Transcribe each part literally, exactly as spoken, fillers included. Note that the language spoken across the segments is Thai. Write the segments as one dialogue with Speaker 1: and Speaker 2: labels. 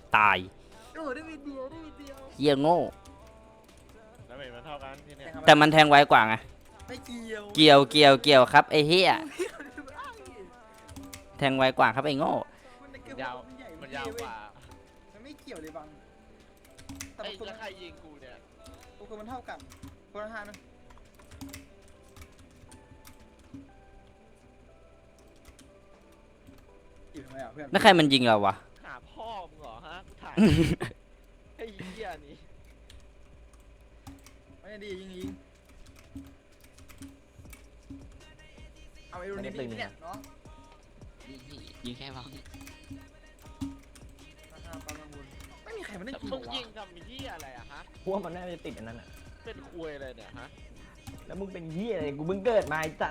Speaker 1: ตาย
Speaker 2: โอ้ได้วิดเดียวได้วิดเดียว
Speaker 1: เหี้ยโง่
Speaker 3: แล้วมันเท่ากันที่เนี่ย
Speaker 1: แต่มันแทงไวกว่าไง
Speaker 2: ไม่เกี่ยว
Speaker 1: เกี่ยวเกี่ยวเกี่ยวครับไอ้เหี้ยแทงไวกว่าครับไอ้โง่
Speaker 3: ยาวมันยาวกว่า
Speaker 2: มันไม่เกี่ยวเลยบังแต่
Speaker 3: ไอ้
Speaker 2: คน
Speaker 3: แล้วใครยิงกูเนี่ย
Speaker 2: คนมันเท่ากันคนละห้านะอยู่ทำไมอ่ะเพื่อน
Speaker 1: แล้วใครมันยิงเราวะ
Speaker 3: หาพ่อมึงเหรอฮะกูถ่ายไอ้เหี้ยนี่
Speaker 2: ไม่ได้ยิงยิงเอาไอ้รุ่นนี้ดีเนี่ยน้อง
Speaker 4: ยิงแค่พอ
Speaker 2: ไม่มีใครมาเล่น
Speaker 3: แต่
Speaker 2: กี่
Speaker 3: มึง
Speaker 2: วะ
Speaker 3: ยิงทำเหี้ยอะไรอะฮะ
Speaker 4: พวกมันน่าจะติดอันนั้นอ่ะ
Speaker 3: เป็นคุยอะไรเนี่ยฮะ
Speaker 4: แล้วมึงเป็นเหี้ยอะไรกูเพิ่งเกิดมาไอ้สัตว์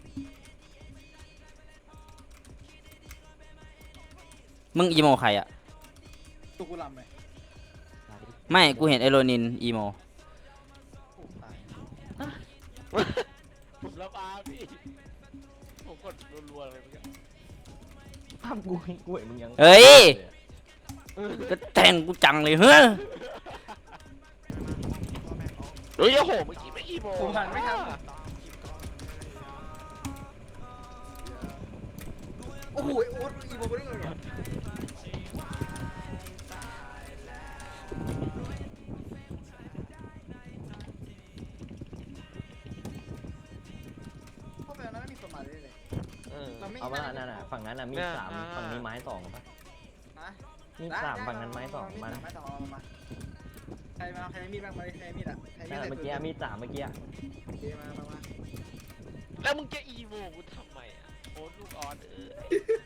Speaker 1: มึงอีโมใครอะ
Speaker 2: ตุกุลำไหม
Speaker 1: ไม่กูเห็นไอโรนินอีโม
Speaker 2: โอ้ตาย
Speaker 3: ผมระบาพี่ผมกดรัวๆเลยเมื่อกี้
Speaker 4: ภาพกูกูเห็นมึงยัง
Speaker 1: เฮ้ยก็แทงกูจังเลยเฮ้ย
Speaker 3: เฮ้ยโอ้โหเมื่อกี้ไม่กี่โมง
Speaker 2: ผมหันไม่ทันโอ้โหโอ๊ตอีโมไม่ได้เลยเหรอเข้าไปแล้วไม่มีคนมาเลยเลย
Speaker 3: เออ
Speaker 2: เราไม่
Speaker 4: เอาว่านั่นน่ะฝั่งนั้นน่ะมีดสามฝั่งนี้ไม้สองปะ
Speaker 2: นะ
Speaker 4: มีดสามฝั่งนั้นไม้สองมัน
Speaker 2: ไม้สองเอามาใครมาใครมีดบ้างมาใครมีดอ่ะใครมี
Speaker 4: นั่น
Speaker 2: ด
Speaker 4: น่ะเมื่อกี้มีดสามเมื่อกี้อะ
Speaker 2: โอเคมามามา
Speaker 3: แล้วมึงจะอีโมกูทำไมอ่ะโอ้ลูกออสเอ้ย